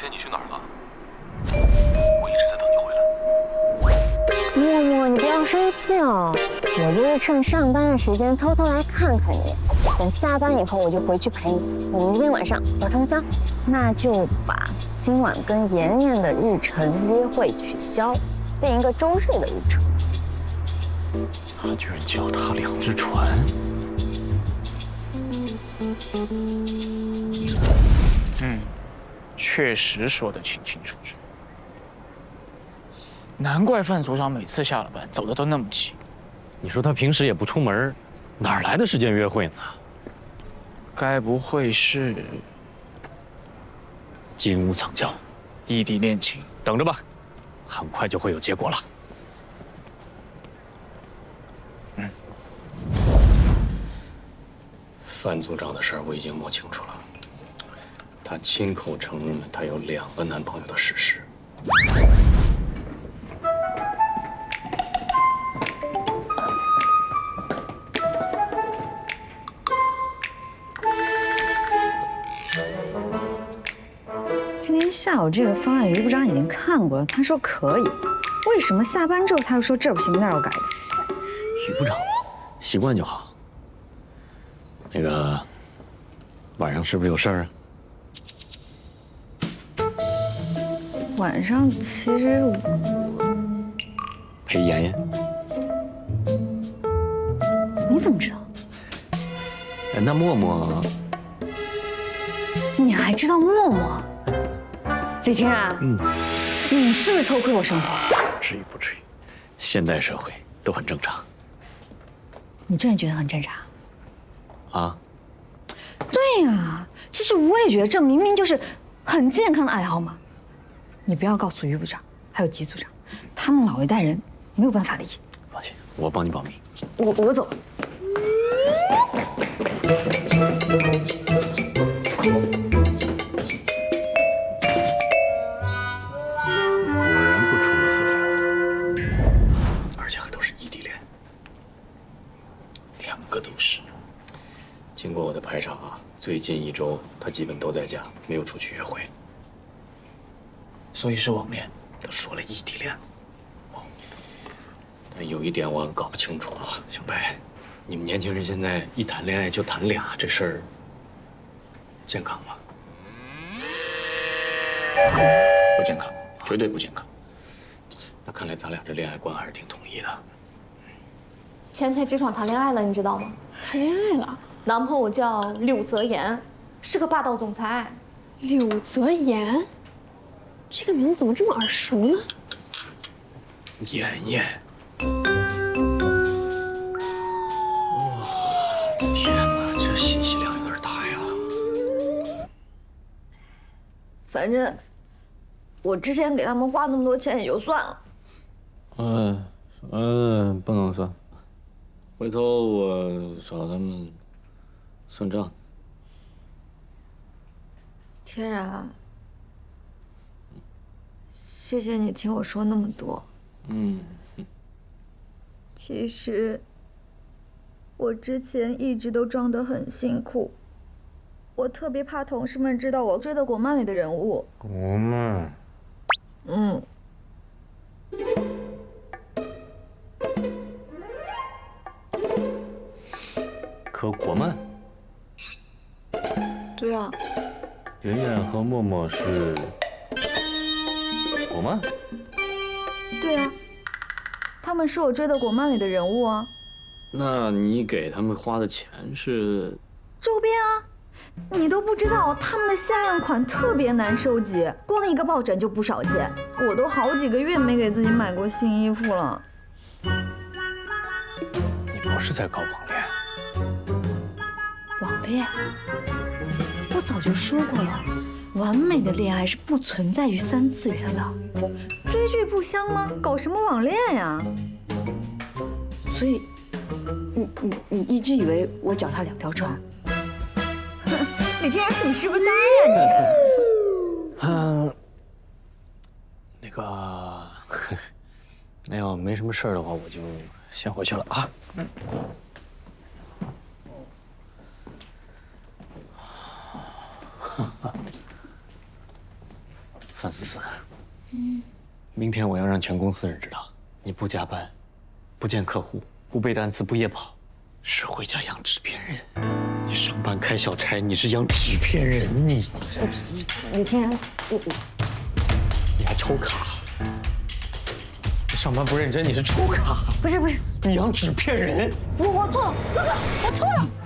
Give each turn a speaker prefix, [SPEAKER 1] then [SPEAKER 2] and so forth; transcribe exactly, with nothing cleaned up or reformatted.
[SPEAKER 1] 天你去哪儿了？我一直在等你回来。
[SPEAKER 2] 默默，你不要生气哦，我就是趁上班的时间偷偷来看看你，等下班以后我就回去陪你。我们今天晚上有通宵，那就把今晚跟妍妍的日程约会取消，定一个周日的日程。
[SPEAKER 3] 他居然脚踏两只船。
[SPEAKER 4] 嗯，确实说得清清楚楚。难怪范组长每次下了班走的都那么急。
[SPEAKER 3] 你说他平时也不出门，哪来的时间约会呢？
[SPEAKER 4] 该不会是
[SPEAKER 3] 金屋藏娇，
[SPEAKER 4] 异地恋情？
[SPEAKER 3] 等着吧，很快就会有结果了。
[SPEAKER 4] 嗯，
[SPEAKER 3] 范组长的事儿我已经摸清楚了，他亲口承认了他有两个男朋友的事实。
[SPEAKER 2] 今天下午这个方案，于部长已经看过了，他说可以。为什么下班之后他又说这不行那要改的？
[SPEAKER 3] 于部长，习惯就好。那个，晚上是不是有事儿啊？
[SPEAKER 2] 晚上其实我
[SPEAKER 3] 陪妍妍。
[SPEAKER 2] 你怎么知道？
[SPEAKER 3] 哎，那默默，
[SPEAKER 2] 你还知道默默？李天然，
[SPEAKER 3] 嗯，
[SPEAKER 2] 你是不是偷窥我生活？
[SPEAKER 3] 不至于不至于，现代社会都很正常。
[SPEAKER 2] 你真的觉得很正常？
[SPEAKER 3] 啊？
[SPEAKER 2] 对呀，其实我也觉得这明明就是很健康的爱好嘛。你不要告诉于部长还有吉组长，他们老一代人没有办法理解。
[SPEAKER 3] 放心，我帮你保密。
[SPEAKER 2] 我我走。
[SPEAKER 3] 果然不出我所料，而且还都是异地恋，两个都是。经过我的排查啊，最近一周他基本都在家，没有出去约会。
[SPEAKER 4] 所以是网恋。
[SPEAKER 3] 都说了异地恋，但有一点我搞不清楚啊，小白，你们年轻人现在一谈恋爱就谈俩，这事儿健康吗？
[SPEAKER 4] 不健康，绝对不健康。
[SPEAKER 3] 那看来咱俩这恋爱观还是挺统一的。
[SPEAKER 5] 前台职场谈恋爱了，你知道吗？
[SPEAKER 6] 谈恋爱了？
[SPEAKER 5] 男朋友叫柳泽言，是个霸道总裁。
[SPEAKER 6] 柳泽言，这个名字怎么这么耳熟呢？
[SPEAKER 3] 妍妍，哇，天哪，这信息量有点大呀。
[SPEAKER 2] 反正我之前给他们花那么多钱也就算了。
[SPEAKER 3] 嗯嗯，不能算，回头我找他们算账。
[SPEAKER 2] 天然，谢谢你听我说那么多。
[SPEAKER 3] 嗯，
[SPEAKER 2] 其实我之前一直都装得很辛苦，我特别怕同事们知道我追的国漫里的人物。
[SPEAKER 3] 国漫，
[SPEAKER 2] 嗯。
[SPEAKER 3] 磕国漫？
[SPEAKER 2] 对啊。
[SPEAKER 3] 妍妍和默默是国漫？
[SPEAKER 2] 对啊，他们是我追的国漫里的人物啊。
[SPEAKER 3] 那你给他们花的钱是？
[SPEAKER 2] 周边啊，你都不知道，他们的限量款特别难收集，光一个抱枕就不少件，我都好几个月没给自己买过新衣服了。
[SPEAKER 4] 你不是在搞网恋？
[SPEAKER 2] 网恋？我早就说过了，完美的恋爱是不存在于三次元的。追剧不香吗？搞什么网恋呀？所以，你你你一直以为我脚踏两条船？李天然，你是不是呆呀你？
[SPEAKER 3] 嗯，那个，那要没什么事儿的话，我就先回去了啊。嗯。 范思思，嗯，明天我要让全公司人知道，你不加班，不见客户，不背单词，不夜跑，是回家养纸片人。你上班开小差，你是养纸片人，你
[SPEAKER 5] 李天然，我
[SPEAKER 3] 你还抽卡。你上班不认真，你是抽卡。
[SPEAKER 5] 不是不是，
[SPEAKER 3] 你养纸片人。
[SPEAKER 5] 我我错了，哥哥，我错了。